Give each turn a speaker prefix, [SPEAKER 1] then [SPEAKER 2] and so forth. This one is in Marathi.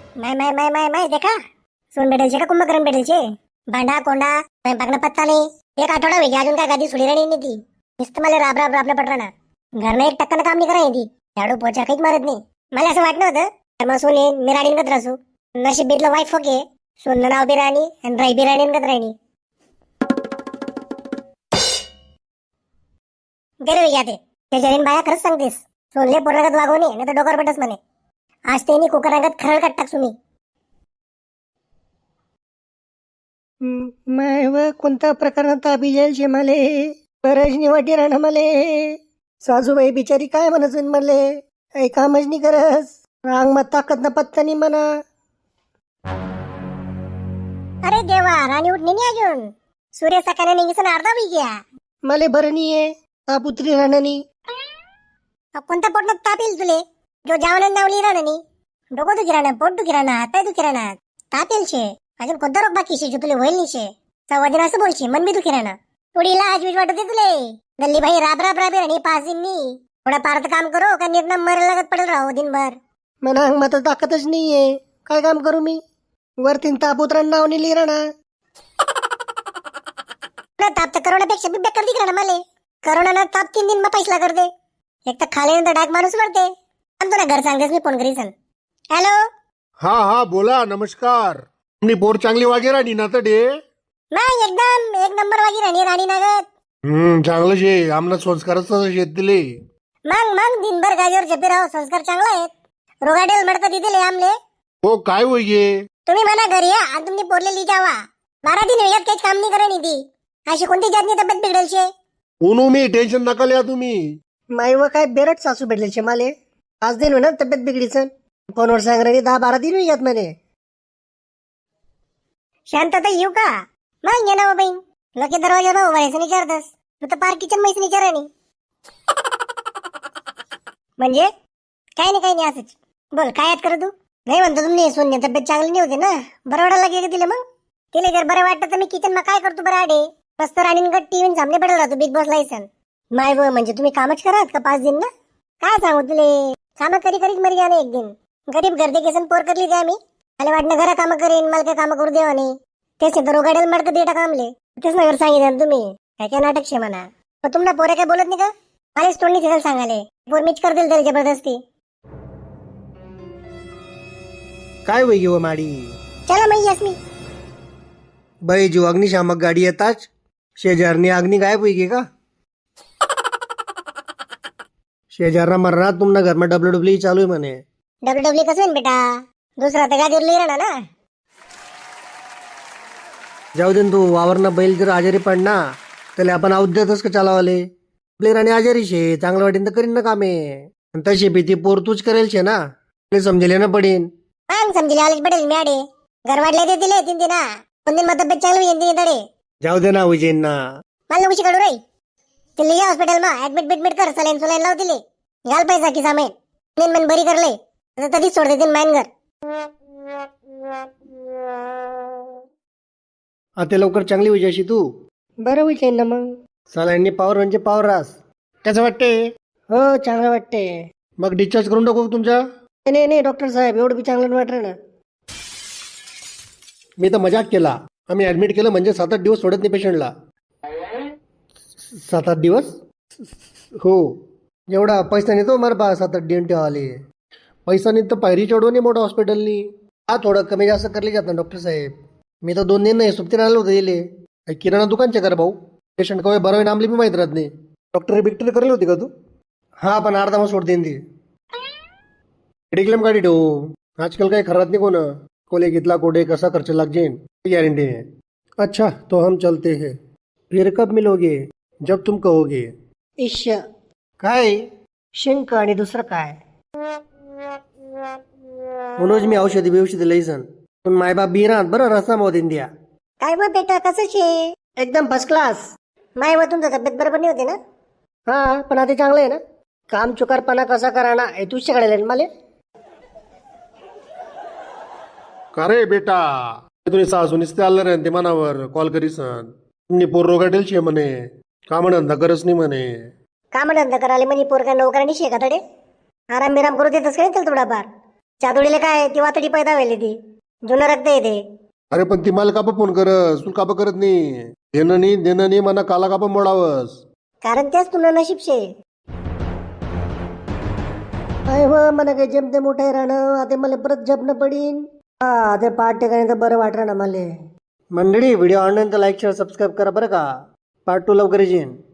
[SPEAKER 1] माय देखा सोन भेटेल का कुंभकर्ण भेटेल छे भांडा कोंडा स्वयंपाकना पत्ता नाही. एक आठवडा वेगळी अजून काय गादी सुडी राणी नाही ती. नुसतं मला राब राब राबलं पटराना. घरनं एक टक्कानं काम नाही करायची ती. झाडू पोचा काहीच मारत नाही. मला असं वाटलं होतं तर मग सोने मी राणींगत राहू. नशीब बेतलं वाईफ ओके. सोननं नाव बी राणी आणि राई बी राणींगत राणी. गेले वेगळ्या ते जरीन बाया खरंच सांगतेस. सोनले पोरगत वागवणे नाही तर डोकर पटस म्हणे. आज त्यांनी कुकरांगत खरळ काट टाक सुनी.
[SPEAKER 2] माय व कोणत्या प्रकारात ताबी जाईल शे मले. बरजनी वाटी राहणं मले. सासूबाई बिचारी काय म्हणत मले. काही कामच नाही करस. रांग मत ताकद ना पत्ता नाही म्हणा.
[SPEAKER 1] अरे देवा राणी उठणी नाही अजून. सूर्य सकाळी निघीसन अर्धा बी घ्या.
[SPEAKER 2] मले बरं नाही आहे. ताप उतरी राहणं नाही.
[SPEAKER 1] कोणत्या पोटात ताप येईल तुले. जो जावनं नावली राहणं नाही. डोकं दुखी राहणं पोट दुखी राहणं हातपाय दुखी राहणं ताप येईल शे. अजून कोणता रोग बाकी शे जो तुले होईल नाही शे. सव्वादिन असं बोलशी मन बी दुखी राहणं. थोडी लाज बीज वाटते तुले. गल्ली भाई राब राब राबे राणी पाच दिन नी. थोडा पार्थ काम करो का निर्णय मर लागत पडेल राहो दिनभर.
[SPEAKER 2] म्हणा अंग मत ताकदच नाहीये. काय काम करू मी. वरतीन ताप उतरण नाव नाही राहणार.
[SPEAKER 1] ताप तर करोनापेक्षा बी बेकार दिख राहणं मले. करोना ताप 3 दिन मग पैसला करते. एक तर खाल्यानंतर डाग माणूस मरते. आणि तुला घर सांगतेस मी फोन करीसन. हॅलो
[SPEAKER 3] हा बोला. नमस्कार. तुमनी पोर चांगली वागे राणी ना तडे.
[SPEAKER 1] नाही एकदम एक नंबर वागी राणी राणी नागत.
[SPEAKER 3] चांगलं शे. आमना संस्कारच शेत दिले.
[SPEAKER 1] मग दिनभर गादीवर झेपे राहो संस्कार चांगला आहेत. रोगाडेल मडकं दिले आमले.
[SPEAKER 3] हो काय होई गे.
[SPEAKER 1] तुम्ही म्हणा घरी या आणि तुम्ही पोरले ली जावा. 12 दिन वेळात काहीच काम नाही करा ती. अशी कोणती जातनी तब्येत बिघडेल शे.
[SPEAKER 3] उनू मी टेन्शन नका लिया तुम्ही.
[SPEAKER 2] माय व काय बेरट सासू भेटले शे माले. 5 दिन म्हणा तब्येत बिघडीसन. फोनवर सांग राणी 10-12 दिन येत म्हणे.
[SPEAKER 1] शांतता येऊ का. मग ये ना बहीण. लोके दरवाजा भाऊ व्हायचं विचारतस. तू तर पार किचन मैस विचारा नाही. म्हणजे काही नाही असंच. बोल काय याद कर तू. नाही म्हणतो तुम्ही सोन्या तब्येत चांगली नाही होते ना. बरं वाटायला लागे का तिला मग. तिला जर बरं वाटतं तर मी किचन मा काय करतो बरं आडे. मस्त राणींगत टीव्ही सामने पडेल राहतो बिग बॉस लायसन. माय व म्हणजे तुम्ही कामच करात का 5 दिन ना. काय सांगू तुले. काम करीत मरी जाणे एक दिन. गरीब गर्दे केसन पोर करली ते आम्ही. मला वाटणं घरा काम करेन मला काय काम करू देवा नाही. तेच तर रोगाडेल मडकं दे टाकामले. तेच ना घर सांगितलं तुम्ही. काय नाटक शे म्हणा. पण तुम्हाला पोरे काय बोलत नाही का. मलाच तोंडणी तिथं सांगाले. पोर मीच कर देईल तरी जबरदस्ती.
[SPEAKER 2] काय वय व माडी.
[SPEAKER 1] चला मग यस मी.
[SPEAKER 2] बाई जीव अग्निशामक गाडी येताच शेजारनी अग्नी गायब होई गे का. शेजारना मरणार तुमना घर में डब्ल्यू चालू आहे म्हणे.
[SPEAKER 1] डब्ल्यू कसं होईन बेटा. दुसरा तर गादीवर लिहि राहणार ना.
[SPEAKER 2] जाऊ दे तू वावरना बैल जर आजारी पडना त्याला आपण औद्यातच का चालावाले. आपली राणी आजारी शे चांगलं वाटेन तर करीन ना कामे. तशी भीती पोर तूच करेल शे ना. समजेल ना पडेन.
[SPEAKER 1] मग समजेल आलेच पडेल मॅडे. घर वाटले ते दिले 3 दिन. 2 दिन मग तब्येत चांगली होईल 3 तडे.
[SPEAKER 2] जाऊ दे ना उजेन ना.
[SPEAKER 1] मला नको शिकाडू रे. ते लिहा हॉस्पिटल मा ऍडमिट कर. सलाईन लाव दिले. घाल पैसा की सामेन. मन बरी करले तधीच सोड देतील माइन घर.
[SPEAKER 2] आता लवकर चांगली होईजाशी तू. बरं होईल ना मग. सलाईंनी पावर म्हणजे पावर रास.
[SPEAKER 3] कसं वाटते.
[SPEAKER 2] हो चांगलं वाटते.
[SPEAKER 3] मग डिस्चार्ज करून टाकू तुमच्या.
[SPEAKER 2] नाही डॉक्टर साहेब एवढं बी चांगलं वाटलं ना.
[SPEAKER 3] मी तर मजाक केला. आम्ही ऍडमिट केलं म्हणजे 7-8 दिवस सोडत नाही पेशंटला.
[SPEAKER 2] 7-8 दिवस.
[SPEAKER 3] हो.
[SPEAKER 2] एवढा पैसा नाही तो मर बा 7-8 दिन ठेवाले.
[SPEAKER 3] पैसा नाही तर पायरी चढवून नाही मोठं हॉस्पिटलनी.
[SPEAKER 2] हा थोडं कमी जास्त करले जात ना डॉक्टर साहेब. मी तर 2 दिन नाही सुट्टीने आलो होतो दिले.
[SPEAKER 3] किराणा दुकानचे कर भाऊ. पेशंट कवे बरं नामली मी माहित राहत नाही. डॉक्टर बिक्टर करेल होती का तू.
[SPEAKER 2] हा पण अर्धा मग सोड देईन ती.
[SPEAKER 3] मेडिक्लेम गाडी ठेवू. आजकाल काही खरात नाही कोण. कोले कितला कोडे कसा खर्च लग जाइन गारंटी है. अच्छा तो हम चलते हैं. फिर कब मिलोगे. जब तुम कहोगे.
[SPEAKER 2] इश काय शिंक आणि दुसरं काय. म्हणूनच मी औषधी लईसन. पण मायबाप बिरात बरं रस्ता मोद इंडिया.
[SPEAKER 1] काय मग बेटा कसं शे.
[SPEAKER 2] एकदम फर्स्ट क्लास.
[SPEAKER 1] माय व तुमचं तब्येत बरोबर नाही होते ना.
[SPEAKER 2] हा पण आता चांगलं आहे ना. काम चुकारपणा कसा कराना हे तूच शिकायला मला.
[SPEAKER 3] का रे बेटा. तुम्ही सासू निसते आलं रे ते मनावर कॉल करीसन. तुम्ही पोर रोगाटेल शे म्हणे. काम धंदा करच नाही म्हणे.
[SPEAKER 1] काम धंदा करायला म्हणजे पोर काय नोकरांनी शेका तडे. आराम बिराम करू देतच काय थोडाफार. चादोडीला काय ती वातडी पैदा व्हायली ती जुनं रक्त येते.
[SPEAKER 3] अरे पण ती मला कापा फोन करस तू कापा करत नाही देणं नाही मना काला कापा मोडावस.
[SPEAKER 1] कारण तेच तुला नशीब शे.
[SPEAKER 2] अय हो मला काही जमते मोठे राहणं आता मला परत जपणं पडीन. हा ते पाठ ठिकाणी तर बरं वाटलं ना मला. मंडळी व्हिडिओ ऑनलाईन तर लाईक शेअर सबस्क्राईब करा बरं का. पार्ट 2 लवकर येईन.